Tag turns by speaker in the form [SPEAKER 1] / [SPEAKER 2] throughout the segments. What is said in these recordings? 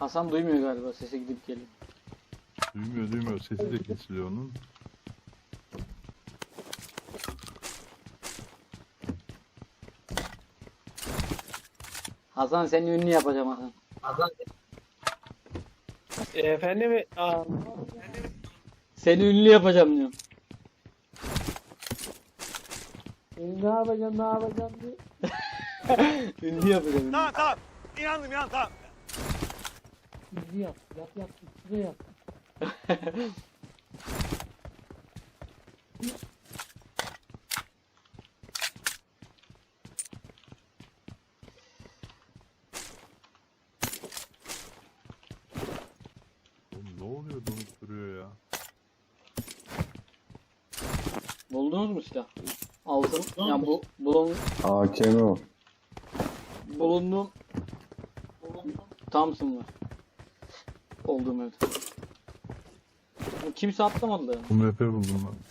[SPEAKER 1] Hasan duymuyor galiba, sesi gidip geliyor.
[SPEAKER 2] Duymuyor. Sesi de kesiliyor onun.
[SPEAKER 1] Hasan seni ünlü yapacağım Hasan.
[SPEAKER 3] Efendim,
[SPEAKER 1] Seni ünlü yapacağım diyorum.
[SPEAKER 3] ne yapacağım diye.
[SPEAKER 1] Ünlü yapacağım. Ünlü.
[SPEAKER 4] Tamam. İnandım tamam.
[SPEAKER 3] İzli yap, üstüne yap.
[SPEAKER 2] Oğlum ne oluyor, donup duruyor ya.
[SPEAKER 1] Buldunuz mu silah? Altın. Ya bu
[SPEAKER 5] AKM o.
[SPEAKER 1] bulunduğum Thompson var. Olduğum evde. Bu kimse atlamadı da.
[SPEAKER 2] UMP buldum ben.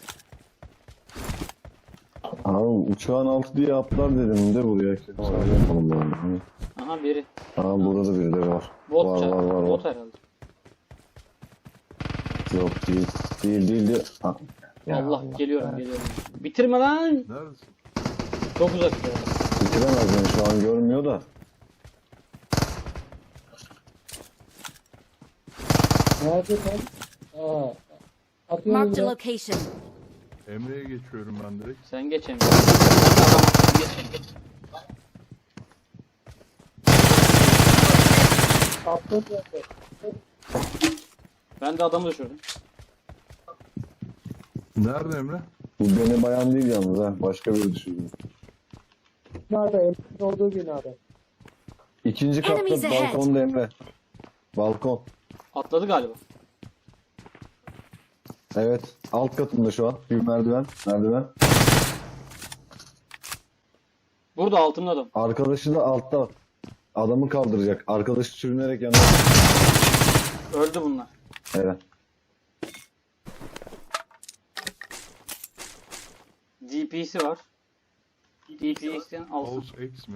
[SPEAKER 5] Abi uçağın altı diye atlar dedim de buraya. Sağ yapalım bari. Hani.
[SPEAKER 1] Aha biri.
[SPEAKER 5] Aa burada da biri de var.
[SPEAKER 1] Bot
[SPEAKER 5] var,
[SPEAKER 1] çarptı.
[SPEAKER 5] var, var, var.
[SPEAKER 1] Bot herhalde.
[SPEAKER 5] Yok değil. Ha. Ya
[SPEAKER 1] Allah geliyorum. Bitirme lan.
[SPEAKER 2] Neredesin?
[SPEAKER 1] Çok uzak ya.
[SPEAKER 5] Bitiremez beni şu an görmüyor da.
[SPEAKER 3] Nerede sen? Atıyorum
[SPEAKER 6] Marked a
[SPEAKER 3] ya.
[SPEAKER 6] location.
[SPEAKER 2] Emre'ye geçiyorum ben direkt.
[SPEAKER 1] Sen geç Emre.
[SPEAKER 3] Attım yerde.
[SPEAKER 1] Ben de adamı düşürdüm.
[SPEAKER 2] Nerede Emre?
[SPEAKER 5] Bu beni bayan değil yalnız ha. Başka biri düşürdü.
[SPEAKER 3] Binada, Emre'nin olduğu binada.
[SPEAKER 5] İkinci katta
[SPEAKER 6] Enemies ahead.
[SPEAKER 5] balkonda Emre. Balkon.
[SPEAKER 1] Atladı galiba.
[SPEAKER 5] Evet. Alt katında şu an. Bir merdiven.
[SPEAKER 1] Burada altımda adam.
[SPEAKER 5] Arkadaşı da altta. Adamı kaldıracak. Arkadaşı sürünerek yanına.
[SPEAKER 1] Öldü bunlar.
[SPEAKER 5] Evet.
[SPEAKER 1] DP'si var. DP'den alsın.
[SPEAKER 2] House X mi?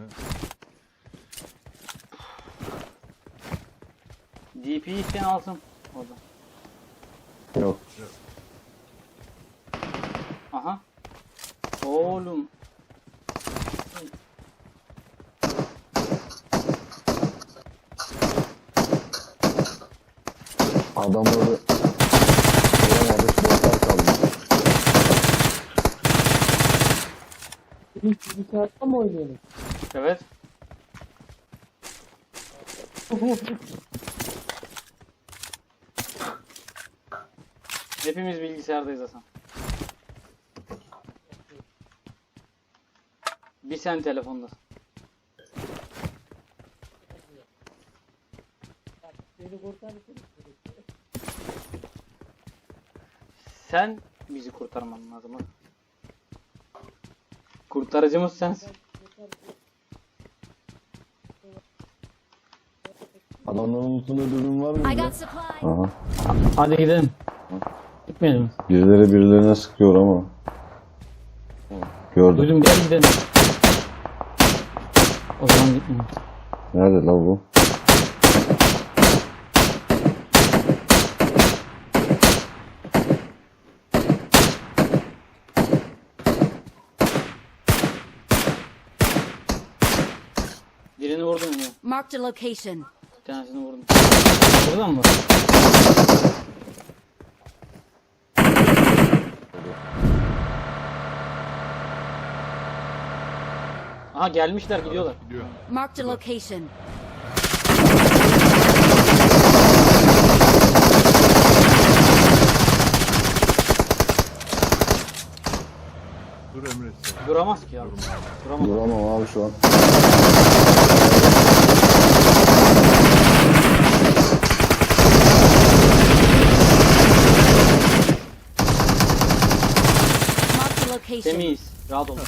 [SPEAKER 1] DP'den alsın. Orada.
[SPEAKER 5] Yok.
[SPEAKER 1] Aha. Oğlum.
[SPEAKER 5] Adamları vuramadık. Botlar kaldı.
[SPEAKER 3] Biz bilgisayarda mı oynayalım?
[SPEAKER 1] Evet. Hepimiz bilgisayardayız Hasan. Bir sen telefondasın.
[SPEAKER 3] Beni kurtarırsın.
[SPEAKER 1] Sen bizi kurtarman lazım. Hadi. Kurtarıcımız sensin.
[SPEAKER 5] Adamların unuttuğunda dürbün var
[SPEAKER 6] I
[SPEAKER 5] mı?
[SPEAKER 6] got supplies.
[SPEAKER 5] Aha.
[SPEAKER 1] Hadi gidelim. Gitmeyelim mi?
[SPEAKER 5] Birileri birilerine sıkıyor ama. Gördüm.
[SPEAKER 1] Duydum, gel gidelim. O zaman gitmeyelim.
[SPEAKER 5] Nerede la bu?
[SPEAKER 1] Birini vurdum ya.
[SPEAKER 6] Marked a location.
[SPEAKER 1] Bir tanesini vurdum. Buradan mı? Aha gelmişler, gidiyorlar.
[SPEAKER 2] Gidiyor.
[SPEAKER 6] Marked a location.
[SPEAKER 2] Dur Emre sen.
[SPEAKER 1] Duramaz ki ya. Duramaz.
[SPEAKER 5] Duramam abi şu an.
[SPEAKER 6] Marked a location.
[SPEAKER 1] Temiz. Rahat ol.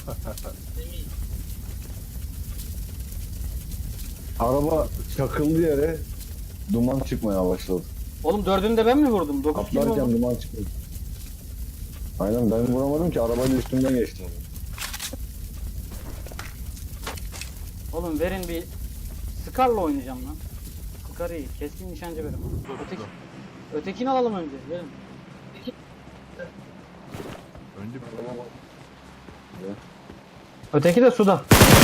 [SPEAKER 5] Araba çakıldı yere duman çıkmaya başladı.
[SPEAKER 1] Oğlum dördünü de ben mi vurdum? 9 kill
[SPEAKER 5] Atlarken
[SPEAKER 1] oldu.
[SPEAKER 5] duman çıkıyor. Aynen ben vuramadım ki arabayla üstümden geçti.
[SPEAKER 1] Oğlum verin bir... Scar'la oynayacağım lan. Asgari. Keskin nişancı benim. Ötekini alalım önce. Gelin.
[SPEAKER 2] Önce
[SPEAKER 1] Öteki de suda.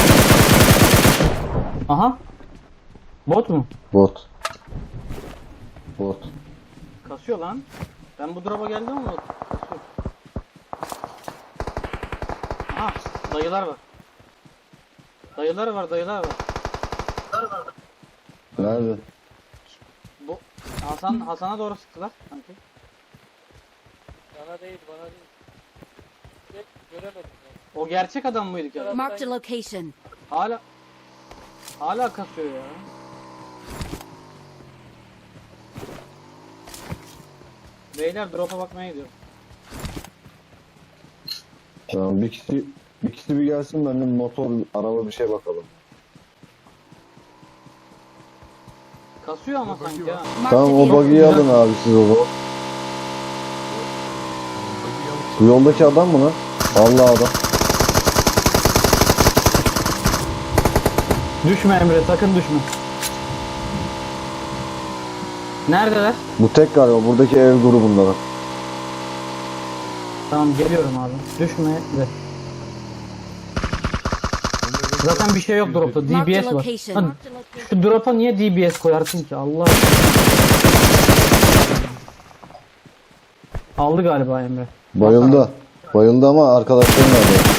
[SPEAKER 1] Aha. Bot mu?
[SPEAKER 5] Bot. Bot.
[SPEAKER 1] Kasıyor lan. Ben bu drop'a geldim ama kasıyor. Aha. Dayılar var. Dayılar var, dayılar var.
[SPEAKER 5] Nerede?
[SPEAKER 1] Bu Hasan'a doğru sıktılar sanki.
[SPEAKER 3] Bana değil, bana değil. Hep göremedim ben.
[SPEAKER 1] O gerçek adam mıydı ki?
[SPEAKER 6] Marked a location.
[SPEAKER 1] Hala kasıyor ya. Beyler drop'a bakmaya gidiyorum.
[SPEAKER 5] Tamam bir kişi bir gelsin ben de motor, araba bir şey bakalım.
[SPEAKER 1] Kasıyor ama
[SPEAKER 2] Bak,
[SPEAKER 1] sanki
[SPEAKER 2] bakıyor.
[SPEAKER 1] ha.
[SPEAKER 6] Marked
[SPEAKER 5] Tamam
[SPEAKER 6] a
[SPEAKER 5] o
[SPEAKER 6] vehicle.
[SPEAKER 5] buggy'yi alın abi siz o zaman. Bu yoldaki adam mı lan? Vallahi adam.
[SPEAKER 1] Düşme Emre, sakın düşme. Neredeler?
[SPEAKER 5] Bu tek galiba buradaki ev grubunda bak.
[SPEAKER 1] Tamam geliyorum abi. Düşme de. Zaten bir şey yok dropta.
[SPEAKER 6] Marked a
[SPEAKER 1] DBS var.
[SPEAKER 6] location.
[SPEAKER 1] Lan, şu drop'a niye DBS koyarsın ki? Allah aşkına. Aldı galiba Emre.
[SPEAKER 5] Bayıldı. Bayıldı ama arkadaşları nerede?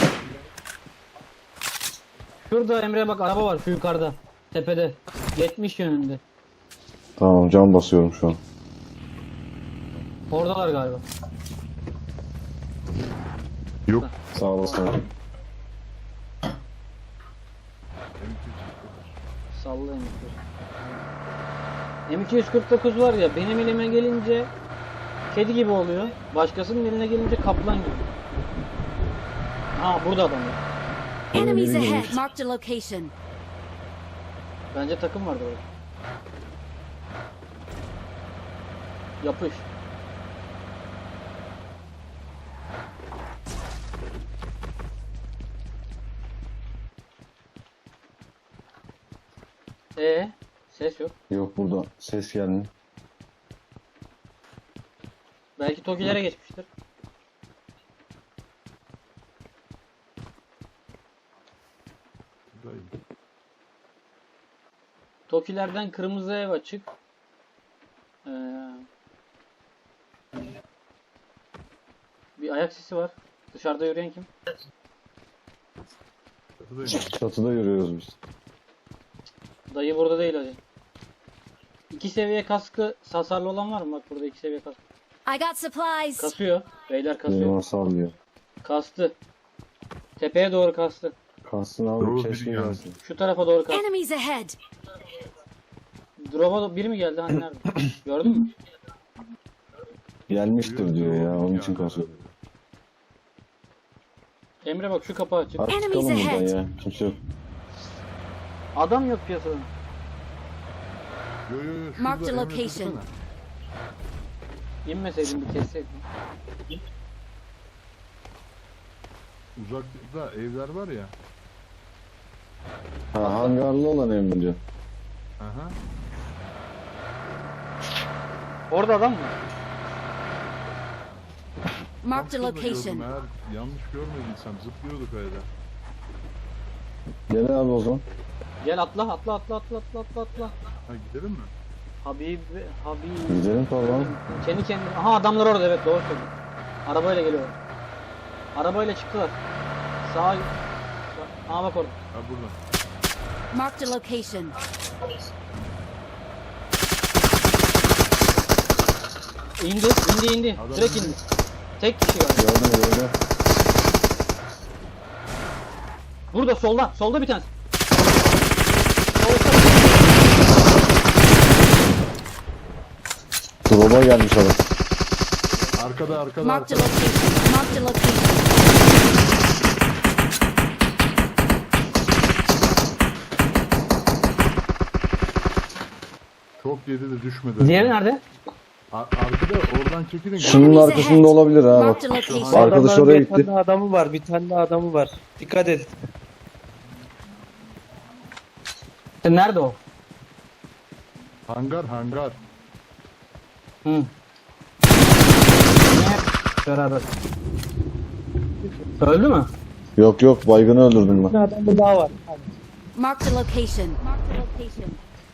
[SPEAKER 1] Şurada Emre bak araba var şu yukarıda. Tepede. 70 yönünde.
[SPEAKER 5] Tamam cam basıyorum şu an.
[SPEAKER 1] Oradalar galiba.
[SPEAKER 2] yok.
[SPEAKER 5] Sağ olasın.
[SPEAKER 1] Salla M249 var ya benim elime gelince kedi gibi oluyor. Başkasının eline gelince kaplan gibi. Burada adam var.
[SPEAKER 6] Enemies ahead. Marked a location.
[SPEAKER 1] Bence takım vardı orada. Yapış. Ses yok.
[SPEAKER 5] Yok burada ses gelmiyor.
[SPEAKER 1] Belki Tokilere geçmiştir.
[SPEAKER 2] Buradayım.
[SPEAKER 1] Tokilerden kırmızı ev açık. Bir ayak sesi var. Dışarıda yürüyen kim?
[SPEAKER 2] Çatıdayım.
[SPEAKER 5] Çatıda yürüyoruz biz.
[SPEAKER 1] Dayı burada değil hacı. 2 seviye kaskı hasarlı olan var mı? Bak burada 2 seviye kask.
[SPEAKER 6] I got supplies.
[SPEAKER 1] Kasıyor. Beyler kasıyor.
[SPEAKER 5] Benim sallıyor.
[SPEAKER 1] Kastı. Tepeye doğru kastı.
[SPEAKER 5] Kalsın abi
[SPEAKER 2] Doğru,
[SPEAKER 5] keşke
[SPEAKER 2] biri geldi.
[SPEAKER 5] gelsin.
[SPEAKER 1] Şu tarafa doğru kastı.
[SPEAKER 6] Enemies ahead.
[SPEAKER 1] Drop'a biri mi geldi? Hani nerede? Gördün mü?
[SPEAKER 5] Gelmiştir diyor ya onun için kasıyor.
[SPEAKER 1] Emre bak şu kapı açık.
[SPEAKER 5] Hadi çıkalım buradan ya. Kimse yok.
[SPEAKER 1] Adam yok piyasada.
[SPEAKER 2] Yo yo yo. şurada
[SPEAKER 6] Marked a
[SPEAKER 2] Emre
[SPEAKER 6] location.
[SPEAKER 2] tutsana.
[SPEAKER 1] İnmeseydin bir kesseydin.
[SPEAKER 2] Uzakta evler var ya.
[SPEAKER 5] Ha hangarlı olan ev diyor.
[SPEAKER 2] Aha.
[SPEAKER 1] Orada adam mı?
[SPEAKER 6] Marked a
[SPEAKER 2] Tam şurada gördüm.
[SPEAKER 6] location.
[SPEAKER 2] Eğer yanlış görmediysem zıplıyorduk öyle.
[SPEAKER 5] Gel abi o zaman.
[SPEAKER 1] Gel atla.
[SPEAKER 2] Ha gidelim mi?
[SPEAKER 1] Habib.
[SPEAKER 5] Gidelim tamam.
[SPEAKER 1] Kendi kendine. Aha adamlar orada, evet doğru söylüyorsun. Arabayla geliyor. Arabayla çıktılar. Sağa. Aha bak orada.
[SPEAKER 2] Ha burada.
[SPEAKER 6] Marked a location.
[SPEAKER 1] İndi.
[SPEAKER 2] Adam
[SPEAKER 1] Direkt
[SPEAKER 2] indi.
[SPEAKER 1] indi. Tek kişi var.
[SPEAKER 5] Gördüm.
[SPEAKER 1] Burada solda. Solda bir tanesi.
[SPEAKER 5] Drop'a gelmiş adam.
[SPEAKER 2] Arkada
[SPEAKER 6] Marked a
[SPEAKER 2] arkada.
[SPEAKER 6] location. Marked a location.
[SPEAKER 2] Çok yedi de düşmedi.
[SPEAKER 1] Diğeri nerede?
[SPEAKER 2] Arkada oradan çekilin.
[SPEAKER 5] Şunun arkasında olabilir ha bak.
[SPEAKER 6] Marked a location.
[SPEAKER 5] Arkadaş oraya gitti.
[SPEAKER 3] Bir tane adamı var, bir tane adamı var. Dikkat et.
[SPEAKER 1] Nerede o?
[SPEAKER 2] Hangar hangar.
[SPEAKER 1] Hı. Yine hep beraber. Öldü mü?
[SPEAKER 5] Yok yok, baygını öldürdüm
[SPEAKER 3] Bir
[SPEAKER 5] ben.
[SPEAKER 3] adam bir daha var. Hadi.
[SPEAKER 6] Marked a location. Marked a location.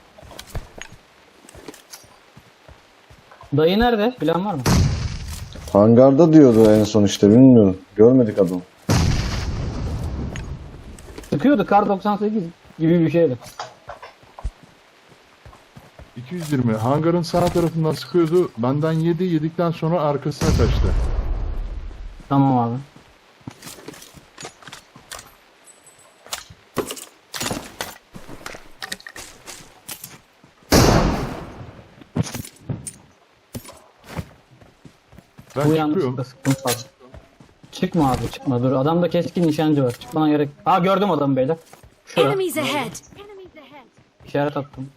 [SPEAKER 1] Dayı nerede? Plan var mı?
[SPEAKER 5] Hangarda diyordu en son işte, bilmiyorum. Görmedik adamı.
[SPEAKER 1] Sıkıyordu kar 98 gibi bir şeydi.
[SPEAKER 2] 220. Hangarın sağ tarafından sıkıyordu. Benden yedi. Yedikten sonra arkasına kaçtı.
[SPEAKER 1] Tamam abi.
[SPEAKER 2] Ben
[SPEAKER 1] Bu
[SPEAKER 2] çıkıyorum.
[SPEAKER 1] yanlışlıkla sıktım fazla. Çıkma abi çıkma dur. Adamda keskin nişancı var. Çıkmana gerek. Ha gördüm adamı beyler. Şurada.
[SPEAKER 6] Enemies ahead.
[SPEAKER 1] İşaret attım.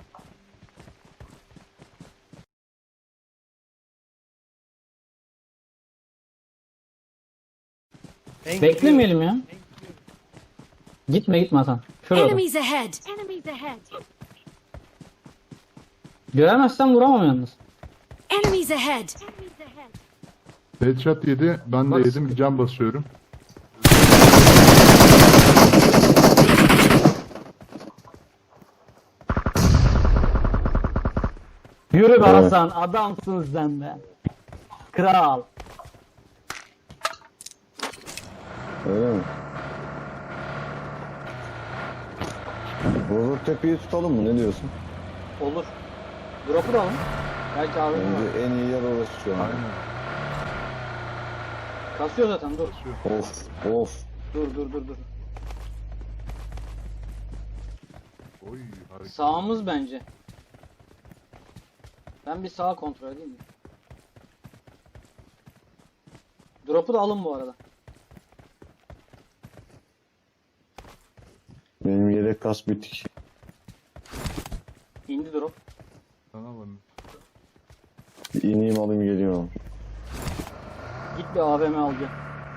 [SPEAKER 1] Beklemeyelim ya. Gitme gitme Hasan. Şurada.
[SPEAKER 6] Enemies ahead. Enemies ahead.
[SPEAKER 1] Göremezsem vuramam yalnız.
[SPEAKER 6] Enemies ahead.
[SPEAKER 2] Headshot yedi. Ben de
[SPEAKER 1] Bak,
[SPEAKER 2] yedim. Bir can basıyorum.
[SPEAKER 1] Yürü be
[SPEAKER 5] Evet.
[SPEAKER 1] Hasan. Adamsın sen be. Kral.
[SPEAKER 5] Öyle mi? Bozuk tepeyi tutalım mı? Ne diyorsun?
[SPEAKER 1] Olur. Drop'u da alın. Belki abi var.
[SPEAKER 5] Bence en iyi yer orası şu an.
[SPEAKER 2] Aynen.
[SPEAKER 1] Kasıyor zaten dur.
[SPEAKER 5] Of of.
[SPEAKER 1] Dur.
[SPEAKER 2] Oy harika.
[SPEAKER 1] Sağımız bence. Ben bir sağa kontrol edeyim mi? Drop'u da alın bu arada.
[SPEAKER 5] Benim yedek kas bitik.
[SPEAKER 1] İndi drop.
[SPEAKER 2] Sana bak.
[SPEAKER 5] Bir ineyim alayım geliyorum.
[SPEAKER 1] Git bir AVM al gel.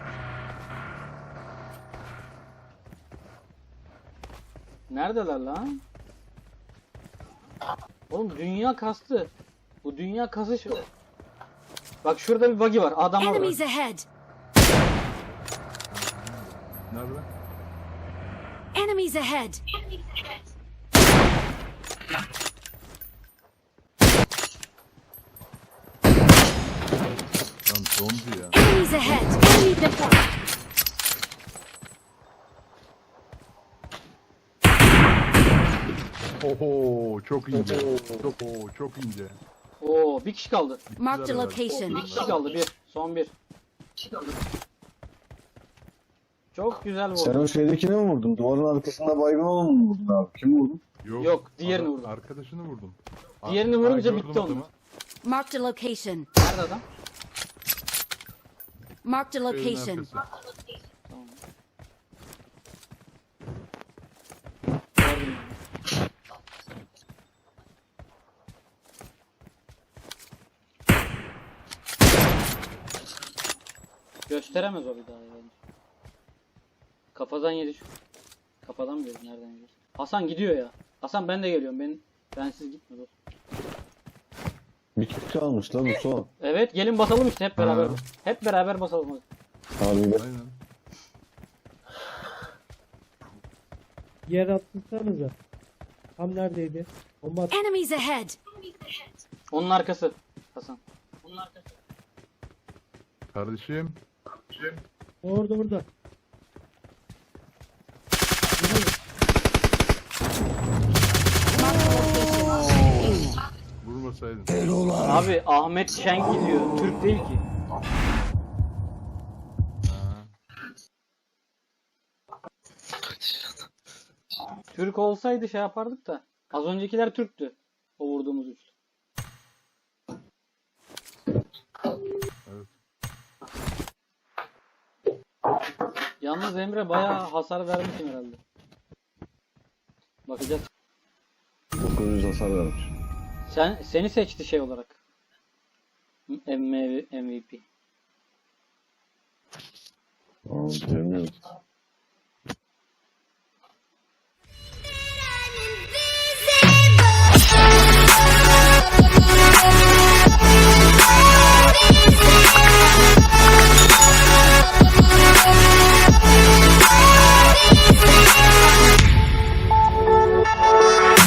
[SPEAKER 1] Neredeler lan? Oğlum dünya kastı. Bu dünya kasış. Bak şurada bir buggy var. Adam var.
[SPEAKER 6] Enemies ahead.
[SPEAKER 2] Nerede?
[SPEAKER 6] Enemies ahead.
[SPEAKER 2] Lan zombi ya.
[SPEAKER 6] Enemies ahead. Enemies ahead.
[SPEAKER 2] Oho çok ince. Çok ince.
[SPEAKER 1] Oo bir kişi kaldı.
[SPEAKER 6] Marked a
[SPEAKER 2] Güzel
[SPEAKER 6] location.
[SPEAKER 1] Bir kişi kaldı bir. Son bir. Çok güzel
[SPEAKER 5] Sen
[SPEAKER 1] vurdu.
[SPEAKER 5] o şeydekini mi vurdun? Duvarın arkasında baygın olanı mı vurdun abi? Kim vurdun?
[SPEAKER 1] Yok, diğerini vurdum.
[SPEAKER 2] Arkadaşını vurdum.
[SPEAKER 1] Diğerini vurunca
[SPEAKER 2] gördüm
[SPEAKER 1] bitti onun.
[SPEAKER 2] adamı.
[SPEAKER 6] Marked a location.
[SPEAKER 1] Nerede adam?
[SPEAKER 6] Marked a
[SPEAKER 2] Evin
[SPEAKER 6] location.
[SPEAKER 2] arkası.
[SPEAKER 1] Tamam. Gördüm. Gösteremez o bir daha yani. Kafadan yedi şu. Kafadan mı yedi? Nereden yedi? Hasan gidiyor ya. Hasan ben de geliyorum. Bensiz gitme dostum.
[SPEAKER 5] Bir kişi kalmış lan bu son.
[SPEAKER 1] Evet gelin basalım işte hep beraber.
[SPEAKER 2] Ha.
[SPEAKER 1] Hep beraber basalım. hadi.
[SPEAKER 5] Abi ben
[SPEAKER 2] Aynen.
[SPEAKER 3] Yer atmışsanıza. Tam neredeydi? Bomba at.
[SPEAKER 6] Enemies ahead.
[SPEAKER 1] Onun arkası. Hasan. Onun arkası.
[SPEAKER 2] Kardeşim.
[SPEAKER 3] Orada.
[SPEAKER 2] Vurmasaydın.
[SPEAKER 1] Abi Ahmet Şen gidiyor. Türk değil ki. Türk olsaydı şey yapardık da. Az öncekiler Türktü. O vurduğumuz üçlü.
[SPEAKER 2] Evet.
[SPEAKER 1] Yalnız Emre bayağı hasar vermişsin herhalde. Bakacağız.
[SPEAKER 5] 900 hasar vermiş.
[SPEAKER 1] Seni seçti şey olarak. MVP.
[SPEAKER 5] Aa, bilmiyorum.